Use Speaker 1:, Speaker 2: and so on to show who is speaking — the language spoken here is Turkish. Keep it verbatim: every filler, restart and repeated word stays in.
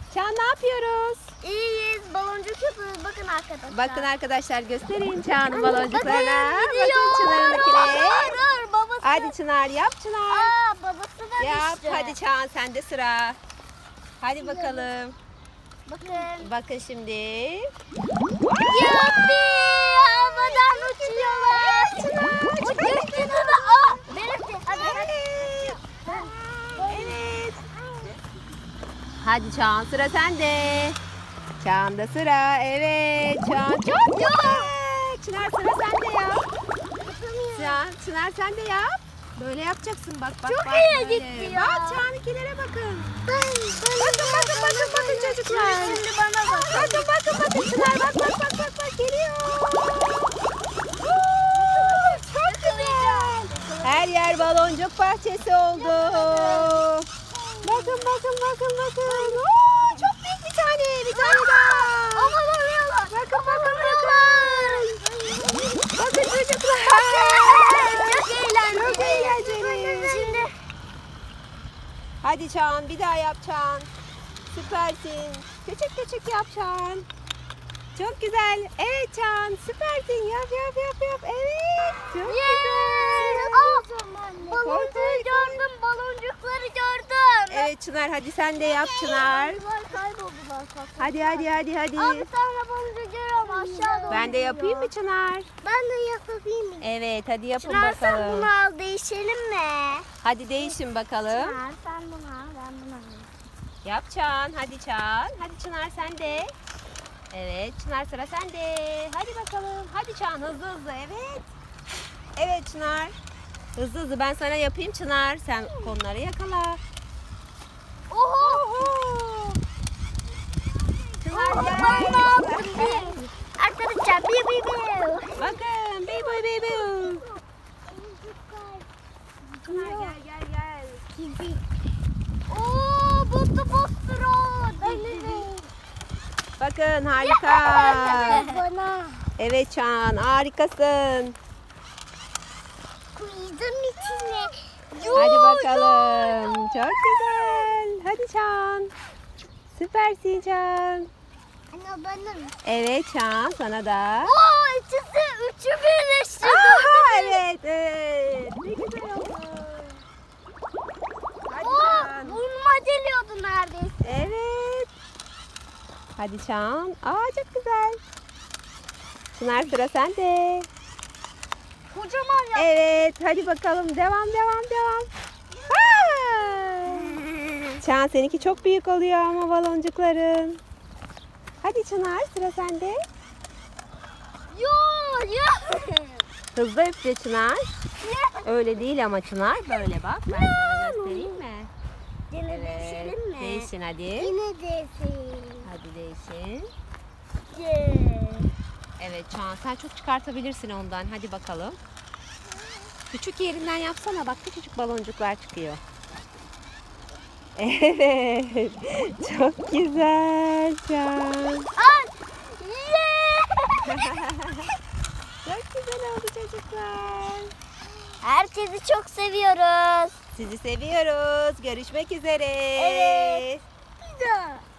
Speaker 1: Çağan ne yapıyoruz?
Speaker 2: İyiyiz. Baloncuk yapıyoruz. Bakın arkadaşlar.
Speaker 1: Bakın arkadaşlar göstereyim Çağan'ın
Speaker 2: Anne,
Speaker 1: baloncuklarına.
Speaker 2: bakın, gidiyor.
Speaker 1: Bakın Çınar'ınkine.
Speaker 2: Dur, dur, babası.
Speaker 1: Hadi Çınar yap Çınar.
Speaker 2: Aa, babası da
Speaker 1: Yap
Speaker 2: düştü.
Speaker 1: hadi Çağan sende sıra. Hadi bakalım.
Speaker 2: Bakın.
Speaker 1: Bakın şimdi.
Speaker 2: Yuppi! Havadan uçuyorlar. Uçuyor Çınar. Aa, benimki. Hadi.
Speaker 1: Evet. Evet. Hadi Çağan sıra sende. Çağan'da sıra. Evet. Çağan çok güzel. Çınar sıra sende ya. Çağan, Çınar sen de yap. Böyle yapacaksın bak bak
Speaker 2: Çok
Speaker 1: bak.
Speaker 2: iyi
Speaker 1: böyle.
Speaker 2: gitti ya.
Speaker 1: Bak Çağan'ınkilere bakın. Bakın bakın bakın bakın çocuklar.
Speaker 2: Şimdi bana bak.
Speaker 1: Bakın bakın bakın Çınar bak bak bak bak bak geliyor. Oo, çok güzel. Her yer baloncuk bahçesi oldu. Bakın bakın bakın bakın. Oo, çok büyük bir tane. Bir tane daha.
Speaker 2: Aman arıyorlar.
Speaker 1: Bakın bakın bakın. Bakın çocuklar.
Speaker 2: Çok eğlenceli.
Speaker 1: Çok eğlenceli.
Speaker 2: Şimdi
Speaker 1: Hadi Çağan bir daha yap Çağan. Süpersin. Küçük küçük yap Çağan. Çok güzel. Evet Çağan süpersin. Yap yap yap yap. Evet. Çok güzel.
Speaker 2: Aa, baloncuğu gördüm, baloncukları gördüm.
Speaker 1: Evet Çınar hadi sen de yap Çınar.
Speaker 2: Bunlar kayboldular.
Speaker 1: Hadi hadi hadi hadi.
Speaker 2: Aa, bir tane baloncuğu görüyorum aşağı doğru.
Speaker 1: Ben de yapayım mı Çınar?
Speaker 2: Ben de yapayım mı?
Speaker 1: Evet hadi yapın
Speaker 2: Çınar sen
Speaker 1: bakalım.
Speaker 2: bunu al, değişelim mi?
Speaker 1: Hadi değişin bakalım.
Speaker 2: Çınar sen bunu al, ben bunu alayım.
Speaker 1: Yap Çağan. Hadi Çağan. Hadi Çınar sen de. Evet Çınar sıra sende. Hadi bakalım. Hadi Çağan hızlı hızlı. Evet. Evet Çınar. Hızlı hızlı ben sana yapayım Çınar. Sen konuları yakala.
Speaker 2: Oho!
Speaker 1: Oho. Çınar
Speaker 2: Ben
Speaker 1: gel.
Speaker 2: bunu aldım. Bir. Arkadaşlar bir bir bir.
Speaker 1: Bakın. Bey boy bey boy. Çınar gel gel gel.
Speaker 2: Oo, botlu botlu denize.
Speaker 1: Bakın harika.
Speaker 2: Bana.
Speaker 1: Evet Çağan harikasın.
Speaker 2: Koydum içine.
Speaker 1: Hadi bakalım. Çok güzel. Hadi Çağan. Süpersin Çağan.
Speaker 2: Ana bana mı?
Speaker 1: Evet Çağan sana da.
Speaker 2: Oo, ikisi üçü birleşti.
Speaker 1: Aha, evet evet. Ne güzel oldu. Hadi
Speaker 2: Oo,
Speaker 1: Çağan.
Speaker 2: burnuma geliyordu neredeyse.
Speaker 1: Evet. Hadi Çağan. Aa çok güzel. Çınar sıra sende.
Speaker 2: Kocaman ya.
Speaker 1: Evet hadi bakalım devam devam devam. Aa! Çağan seninki çok büyük oluyor ama baloncukların. Hadi Çınar sıra sende.
Speaker 2: Yo yo.
Speaker 1: Hızlı üfle Çınar. Öyle değil ama Çınar. Böyle bak. Ben sana göstereyim mi?
Speaker 2: Yine
Speaker 1: Evet.
Speaker 2: değişelim mi?
Speaker 1: Değişin hadi.
Speaker 2: Yine değişelim.
Speaker 1: Hadi değişin.
Speaker 2: Yeah.
Speaker 1: Evet Çağan sen çok çıkartabilirsin ondan. Hadi bakalım. Küçük yerinden yapsana. Bak küçücük baloncuklar çıkıyor. Evet. Çok güzel Çağan.
Speaker 2: Ay. Yeah.
Speaker 1: Çok güzel oldu çocuklar.
Speaker 2: Herkesi çok seviyoruz.
Speaker 1: Sizi seviyoruz. Görüşmek üzere.
Speaker 2: Evet. Bir daha.